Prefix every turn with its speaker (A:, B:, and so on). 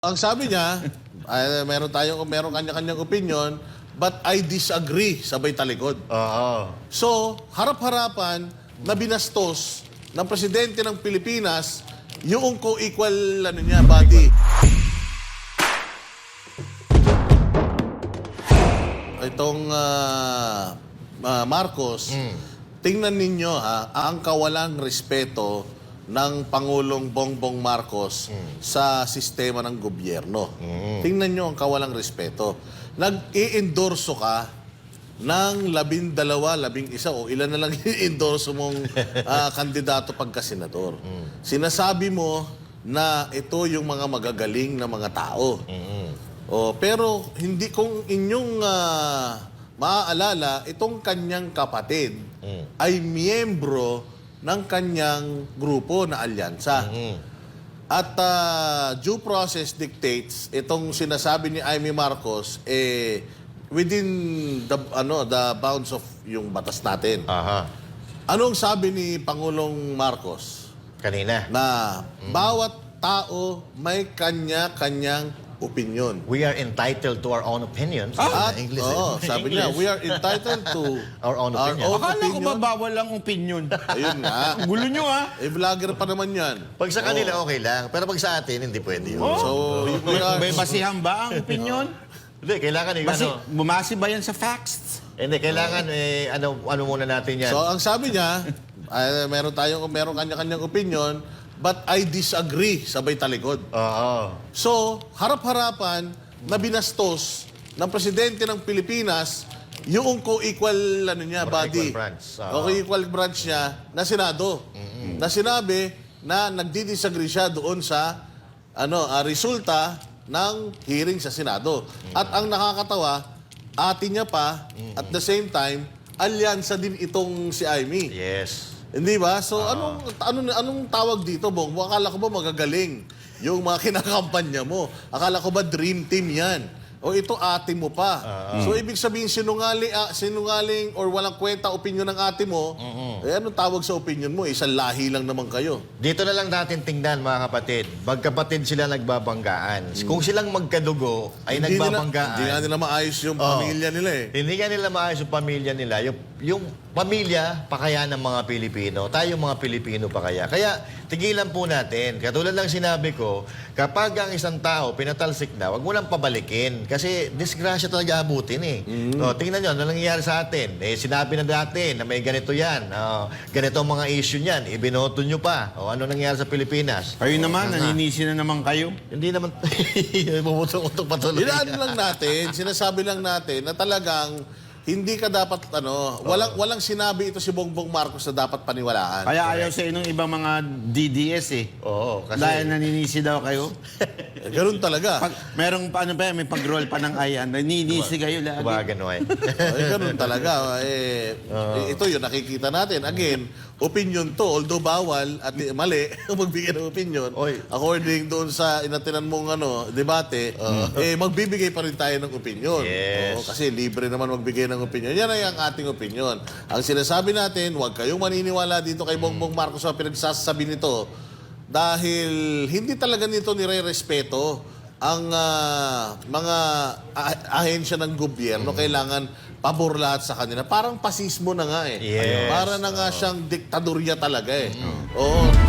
A: Ang sabi niya, meron kanya-kanyang opinion, but I disagree, sabay talikod.
B: Oo.
A: So, harap-harapan na binastos ng presidente ng Pilipinas yung co-equal body. Itong Marcos, tingnan ninyo ang kawalang respeto ng Pangulong Bongbong Marcos sa sistema ng gobyerno. Tingnan nyo ang kawalang respeto. Nag-i-endorso ka ng 12, 11 o ilan na lang i-endorso mong kandidato pagka-senador. Sinasabi mo na ito yung mga magagaling na mga tao. Pero hindi, kung inyong maaalala, itong kanyang kapatid ay miyembro ng kanyang grupo na alyansa. At due process dictates, itong sinasabi ni Amy Marcos, within the bounds of yung batas natin. Anong sabi ni Pangulong Marcos?
B: Kanina.
A: Na bawat tao may kanya-kanyang opinion.
B: We are entitled to our own opinions.
A: At,
B: English.
A: sabi niya, we are entitled to
B: Our own opinion.
C: Akala ko ba bawal ang opinion?
A: Ayun nga.
C: Ang gulo nyo
A: Vlogger pa naman yan.
B: Pag sa kanila, okay lang. Pero pag sa atin, hindi pwede yun.
A: So, we are...
C: May basihan ba ang opinion?
B: Hindi, kailangan
C: Bumasi ba yan sa facts?
B: Hindi, kailangan ano muna natin yan.
A: So, ang sabi niya, meron kanya-kanyang opinion, but I disagree, sabay talikod.
B: Oo.
A: So, harap-harapan na binastos ng presidente ng Pilipinas yung co-equal body.
B: Equal branch.
A: O co-equal branch niya na Senado. Na sinabi na nagdi-disagree siya doon sa resulta ng hearing sa Senado. At ang nakakatawa, atin niya pa, at the same time, alyansa din itong si Amy.
B: Yes.
A: Hindi ba? So, anong tawag dito, Bong? Akala ko ba magagaling yung mga kinakampanya mo? Akala ko ba dream team yan? O ito ate mo pa. So, ibig sabihin, sinungaling or walang kwenta opinion ng ate mo, anong tawag sa opinion mo? Isang lahi lang naman kayo.
B: Dito na lang natin tingnan, mga kapatid. Magkapatid sila nagbabanggaan. Kung silang magkadugo ay nagbabanggaan.
A: Hindi nga nila maayos yung pamilya nila eh.
B: Hindi nga nila maayos yung pamilya nila. Yung pamilya, pa kaya ng mga Pilipino. Tayo mga Pilipino pa kaya. Kaya, tigilan po natin. Katulad ng sinabi ko, kapag ang isang tao pinatalsik na, wag mo lang pabalikin. Kasi disgrasya talaga abutin eh. Tingnan nyo, ano nangyayari sa atin? Sinabi na dati na may ganito yan. Ganito ang mga issue niyan. Ibinoto nyo pa. Ano nangyayari sa Pilipinas?
C: Kayo naman, naninisi na naman kayo.
B: Hindi naman, bumutok-utok patuloy.
A: Inaano lang natin, sinasabi lang natin na talagang hindi ka dapat, walang sinabi ito si Bongbong Marcos na dapat paniwalaan.
C: Kaya ayaw sa inong ibang mga DDS eh.
B: Oo, kasi...
C: Dahil naninisi daw kayo.
A: Ganun talaga.
C: Merong may pag-roll pa ng ayan. Naninisi kayo lagi.
B: Gano'n
A: Ganun talaga. Ito yun, nakikita natin. Again, opinion to, although bawal at mali magbigay ng opinion. According doon sa inatinan mong debate, magbibigay pa rin tayo ng opinion.
B: Yes.
A: Kasi libre naman magbigay ng opinion. Yan ay ang ating opinion. Ang sinasabi natin, huwag kayong maniniwala dito kay Bongbong Marcos sa pinagsasabi nito dahil hindi talaga nito nire-respeto ang mga ahensya ng gobyerno. Kailangan pabor lahat sa kanila. Parang pasismo na nga eh.
B: Yes.
A: Para na nga siyang diktadorya talaga eh. Oo.